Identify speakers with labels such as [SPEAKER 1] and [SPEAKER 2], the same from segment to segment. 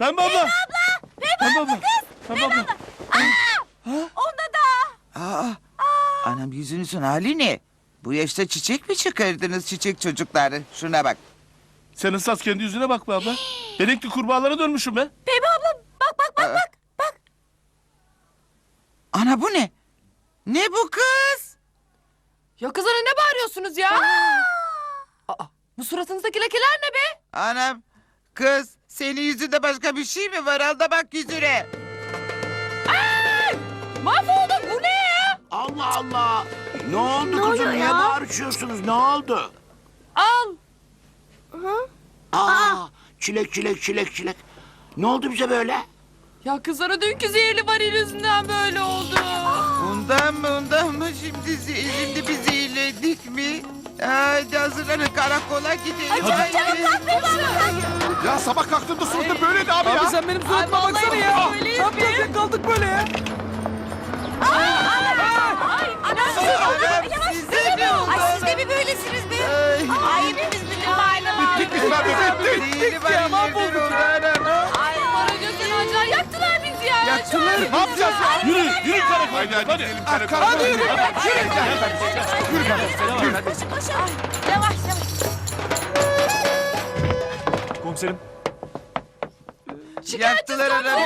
[SPEAKER 1] Pembe abla. Pembe abla. Pembe abla.
[SPEAKER 2] Onda da.
[SPEAKER 3] Aa, anam yüzünüzün hali ne? Bu yaşta çiçek mi çıkardınız çiçek çocukları? Şuna bak.
[SPEAKER 1] Sen ıslas kendi yüzüne bak be abla. Benekli kurbağalara dönmüşüm be.
[SPEAKER 2] Pembe abla bak.
[SPEAKER 3] Ana bu ne? Ne bu kız?
[SPEAKER 4] Ya kızana ne bağırıyorsunuz ya? Aa, bu suratınızdaki lekeler ne be?
[SPEAKER 3] Anam, kız senin yüzünde başka bir şey mi var? Al da bak yüzüne.
[SPEAKER 4] Mahvolduk, bu ne ya?
[SPEAKER 5] Allah Allah. Ne oldu kızım? Niye bağırışıyorsunuz? Ne oldu?
[SPEAKER 4] Al.
[SPEAKER 5] Aa, çilek. Ne oldu bize böyle?
[SPEAKER 4] Ya kızana dünkü zehirli varil yüzünden böyle oldu.
[SPEAKER 3] Ondan mı şimdi biz zehirlendik mi? Hadi hazırlanın karakola gidelim.
[SPEAKER 6] Ya sabah kalktığımda suratım böyleydi abi ya.
[SPEAKER 7] Abi sen benim suratıma baksana ya. Ne yapacağız? Kaldık böyle ya.
[SPEAKER 3] Size ne oldu?
[SPEAKER 2] Ay siz de mi böylesiniz be? Ay hepimiz bütün mahalle
[SPEAKER 6] Bittik biz abi bittik.
[SPEAKER 3] Zehirli var yemin oldu anam.
[SPEAKER 4] Ay para gözden acar yaktılar bizi ya.
[SPEAKER 3] Yaktılar.
[SPEAKER 6] Ne yapacağız ya?
[SPEAKER 1] Yürü karakola.
[SPEAKER 6] Hadi
[SPEAKER 1] Hadi.
[SPEAKER 6] gidelim karakola. Hadi yürü.
[SPEAKER 2] Yavaş.
[SPEAKER 7] Komiserim.
[SPEAKER 3] Yaktılar anam.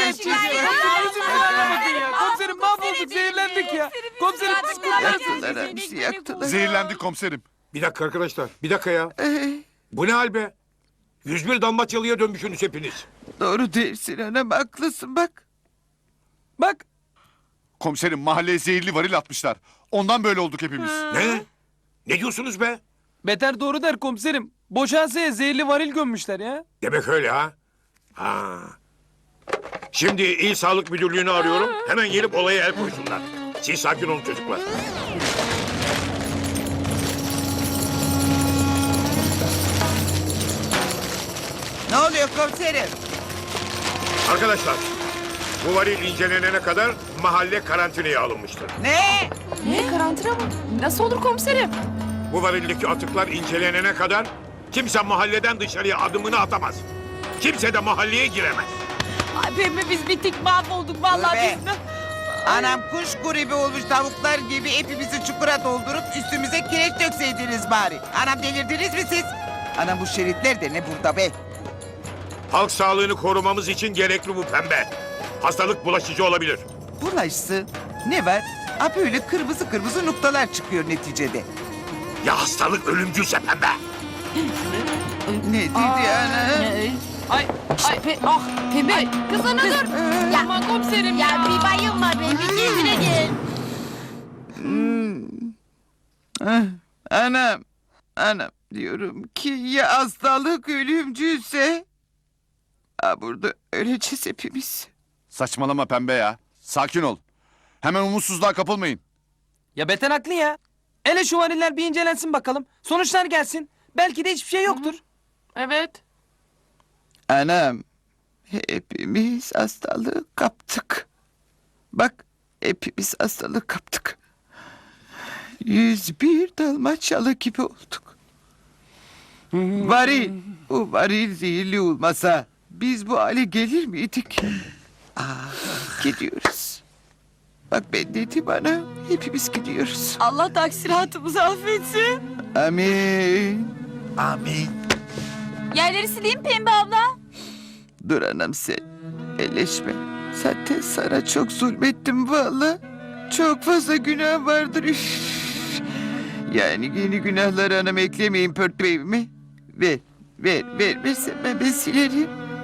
[SPEAKER 7] Komiserim mahvolduk, zehirlendik ya. Komiserim
[SPEAKER 3] Yaktılar hepsi yaktılar.
[SPEAKER 6] Zehirlendik komiserim. Bir dakika arkadaşlar. Bir dakika ya. Bu ne hal be? 101 Dalmaçyalı'ya dönmüşsünüz hepiniz.
[SPEAKER 3] Doğru değilsin anam haklısın bak.
[SPEAKER 7] bak.
[SPEAKER 6] Komiserim mahalleye zehirli varil atmışlar. Ondan böyle olduk hepimiz.
[SPEAKER 5] Ne? Ne diyorsunuz be?
[SPEAKER 7] Beter doğru der komiserim. Boşansaya zehirli varil gömmüşler ya.
[SPEAKER 5] Demek öyle ha? Ha. Şimdi İl Sağlık Müdürlüğü'nü arıyorum. Hemen gelip olaya el koysunlar. Siz sakin olun çocuklar.
[SPEAKER 3] Ne oluyor komiserim?
[SPEAKER 5] Arkadaşlar, bu varil incelenene kadar mahalle karantinaya alınmıştır.
[SPEAKER 3] Ne?
[SPEAKER 4] Ne karantina mı? Nasıl olur komiserim?
[SPEAKER 5] Bu varildeki atıklar incelenene kadar kimse mahalleden dışarıya adımını atamaz. Kimse de mahalleye giremez.
[SPEAKER 2] Ay Pembe biz bittik mahvolduk vallahi
[SPEAKER 3] Tövbe.
[SPEAKER 2] biz.
[SPEAKER 3] Anam kuş gribi olmuş tavuklar gibi hepimizi çukura doldurup üstümüze kireç dökseydiniz bari. Anam delirdiniz mi siz? Anam bu şeritler de ne burada be?
[SPEAKER 5] Halk sağlığını korumamız için gerekli bu pembe. Hastalık bulaşıcı olabilir.
[SPEAKER 3] Bulaşsın. Ne var? Ha böyle kırmızı noktalar çıkıyor neticede.
[SPEAKER 5] Ya hastalık ölümcülse pembe?
[SPEAKER 3] Ne dedi ana?
[SPEAKER 4] Ay Pembe. Kızana dur.
[SPEAKER 2] Ya,
[SPEAKER 4] Aman komiserim
[SPEAKER 2] ya
[SPEAKER 4] ya.
[SPEAKER 2] bir bayılma be bir kendine gel.
[SPEAKER 3] Anam diyorum ki ya hastalık ölümcülse? Ha burada öleceğiz hepimiz.
[SPEAKER 6] Saçmalama pembe ya. Sakin ol. Hemen umutsuzluğa kapılmayın.
[SPEAKER 7] Ya Beter haklı ya. Hele şu variller bir incelensin bakalım. Sonuçlar gelsin. Belki de hiçbir şey yoktur.
[SPEAKER 4] Evet.
[SPEAKER 3] Anam, hepimiz hastalığı kaptık. Bak, hepimiz hastalığı kaptık. 101 Dalmaçyalı gibi olduk. Bu varil zehirli olmasa biz bu hale gelir miydik? Gidiyoruz. Bak ben dedim bana, hepimiz gidiyoruz.
[SPEAKER 2] Allah taksiratımızı affetsin.
[SPEAKER 3] Amin. Amin.
[SPEAKER 2] Yerleri sileyim Pembe abla.
[SPEAKER 3] Dur anam sen. Eleşme. Zaten sana çok zulmettim valla. Çok fazla günah vardır. Üf. Yani yeni günahları anam eklemeyin pörtbeyimi. Ver. Versen ben silerim.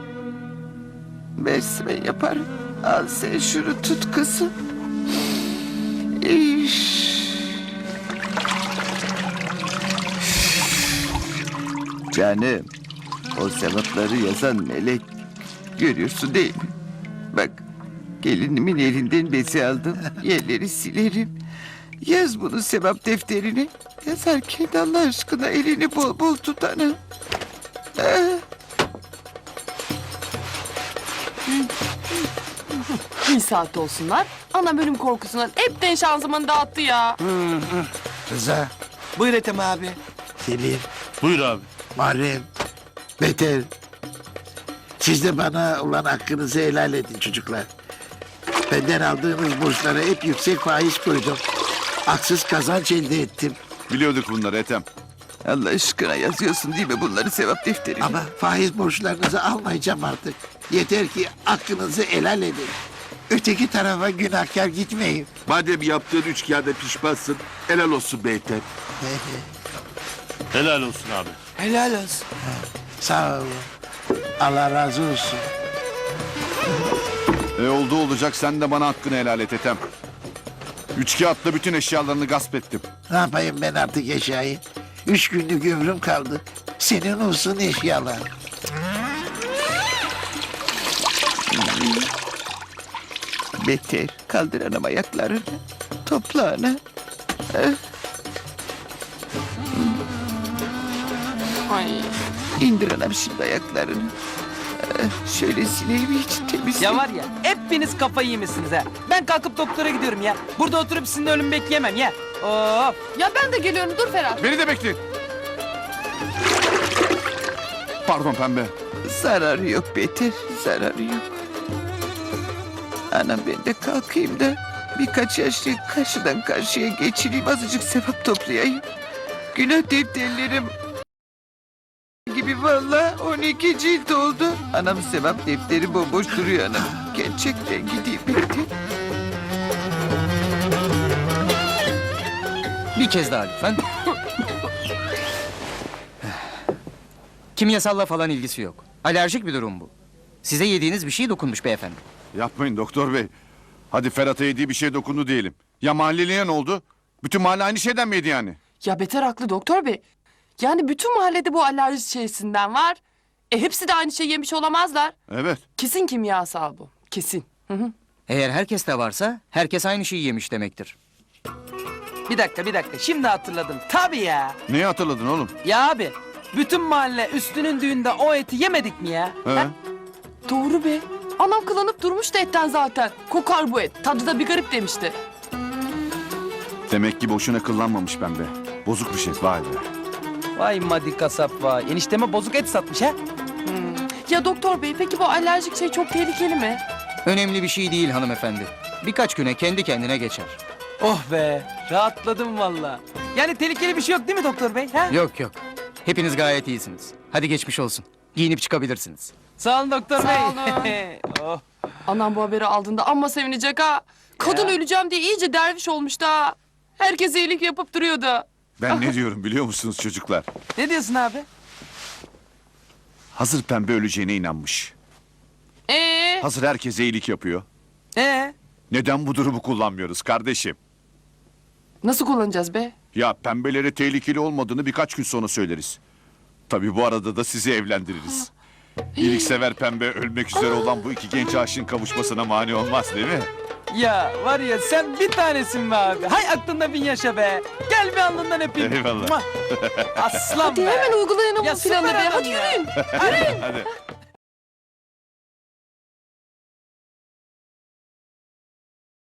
[SPEAKER 3] Versin ben yaparım. Al sen şunu tut kızım. Üf. Canım. O sevapları yazan melek. Görüyorsun değil mi? Bak gelinimin elinden bezi aldım. Yerleri silerim. Yaz bunu sevap defterine. Yazarken Allah aşkına elini bol bol tut ana.
[SPEAKER 4] Bir saat olsunlar. Ana bölüm korkusundan hepten şanzımanı dağıttı ya.
[SPEAKER 8] Rıza. Buyur Ethem abi. Selim,
[SPEAKER 1] Buyur abi.
[SPEAKER 8] Muharrem, Beter. Siz de bana olan hakkınızı helal edin çocuklar. Benden aldığınız borçlara hep yüksek faiz koydum. Haksız kazanç elde ettim.
[SPEAKER 1] Biliyorduk bunları Ethem.
[SPEAKER 3] Allah aşkına yazıyorsun değil mi bunları sevap defterine?
[SPEAKER 8] Ama faiz borçlarınızı almayacağım artık. Yeter ki hakkınızı helal edin. Öteki tarafa günahkar gitmeyin.
[SPEAKER 1] Madem yaptığın üç kağıda pişmansın, helal olsun be Ethem. Helal olsun abi.
[SPEAKER 8] Helal olsun. Sağ olun. Allah razı olsun.
[SPEAKER 1] Oldu olacak sen de bana hakkını helal et Ethem. Üç kağıtla bütün eşyalarını gasp ettim.
[SPEAKER 8] Ne yapayım ben artık eşyayı? 3 günlük ömrüm kaldı. Senin olsun eşyalar.
[SPEAKER 3] Beter. Kaldır anam ayaklarını. Topla ana.
[SPEAKER 4] Ay.
[SPEAKER 3] İndir anam şimdi ayaklarını. Şöyle sileyim hiç temiz.
[SPEAKER 7] Ya var ya hepiniz kafayı yemişsiniz ha. Ben kalkıp doktora gidiyorum ya. Burada oturup sizin ölümü bekleyemem ya. Of.
[SPEAKER 4] Ya ben de geliyorum dur Ferhat.
[SPEAKER 1] Beni de bekleyin. Pardon pembe.
[SPEAKER 3] Zararı yok Beter. Zararı yok. Anam ben de kalkayım da birkaç yaşlı karşıdan karşıya geçireyim. Azıcık sevap toplayayım. Günah defterlerim gibi vallahi 12 cilt oldu. Anam sevap defteri bomboş duruyor anam. Gerçekten gideyim Beter.
[SPEAKER 9] Bir kez daha lütfen. Kimyasalla falan ilgisi yok. Alerjik bir durum bu. Size yediğiniz bir şey dokunmuş beyefendi.
[SPEAKER 1] Yapmayın doktor bey. Hadi Ferhat'a yediği bir şey dokundu diyelim. Ya mahalleliye ne oldu? Bütün mahalle aynı şeyden mi yedi yani?
[SPEAKER 4] Ya beter haklı doktor bey. Yani bütün mahallede bu alerji şeysinden var. Hepsi de aynı şey yemiş olamazlar.
[SPEAKER 1] Evet.
[SPEAKER 4] Kesin kimyasal bu. Kesin. Hı hı.
[SPEAKER 9] Eğer herkes de varsa herkes aynı şeyi yemiş demektir.
[SPEAKER 7] Bir dakika. Şimdi hatırladım. Tabii ya.
[SPEAKER 1] Neyi hatırladın oğlum?
[SPEAKER 7] Ya abi. Bütün mahalle üstünün düğünde o eti yemedik mi ya?
[SPEAKER 1] He?
[SPEAKER 7] Ha?
[SPEAKER 4] Doğru be. Anam kılanıp durmuştu etten zaten. Kokar bu et. Tadı da bir garip demişti.
[SPEAKER 1] Demek ki boşuna kıllanmamış pembe. Bozuk bir şey vay be.
[SPEAKER 7] Vay madi kasap vay. Enişteme bozuk et satmış ha.
[SPEAKER 4] Ya doktor bey peki bu alerjik şey çok tehlikeli mi?
[SPEAKER 9] Önemli bir şey değil hanımefendi. Birkaç güne kendi kendine geçer.
[SPEAKER 7] Oh be. Rahatladım valla. Yani tehlikeli bir şey yok değil mi doktor bey? Ha?
[SPEAKER 9] Yok yok. Hepiniz gayet iyisiniz. Hadi geçmiş olsun. Giyinip çıkabilirsiniz.
[SPEAKER 7] Sağ olun doktor
[SPEAKER 4] Sağ
[SPEAKER 7] bey. Oh.
[SPEAKER 4] Anam bu haberi aldığında amma sevinecek ha. Kadın öleceğim diye iyice derviş olmuştu ha. Herkes iyilik yapıp duruyordu.
[SPEAKER 1] Ben ne diyorum biliyor musunuz çocuklar?
[SPEAKER 7] Ne diyorsun abi?
[SPEAKER 1] Hazır pembe öleceğine inanmış. Hazır herkese iyilik yapıyor. Neden bu durumu kullanmıyoruz kardeşim?
[SPEAKER 4] Nasıl kullanacağız be?
[SPEAKER 1] Ya pembelere tehlikeli olmadığını birkaç gün sonra söyleriz. Tabii bu arada da sizi evlendiririz. İyiliksever pembe ölmek üzere olan bu iki genç aşığın kavuşmasına mani olmaz değil mi?
[SPEAKER 7] Ya var ya sen bir tanesin be abi. Hay aklında bin yaşa be. Gel bir alnından öpeyim.
[SPEAKER 1] Eyvallah.
[SPEAKER 7] Muah. Aslan
[SPEAKER 4] Hadi
[SPEAKER 7] be.
[SPEAKER 4] hemen uygulayalım
[SPEAKER 7] Ya
[SPEAKER 4] bu planı
[SPEAKER 7] süper
[SPEAKER 4] be.
[SPEAKER 7] adam
[SPEAKER 4] Hadi
[SPEAKER 7] ya.
[SPEAKER 4] yürüyün.
[SPEAKER 1] Hadi.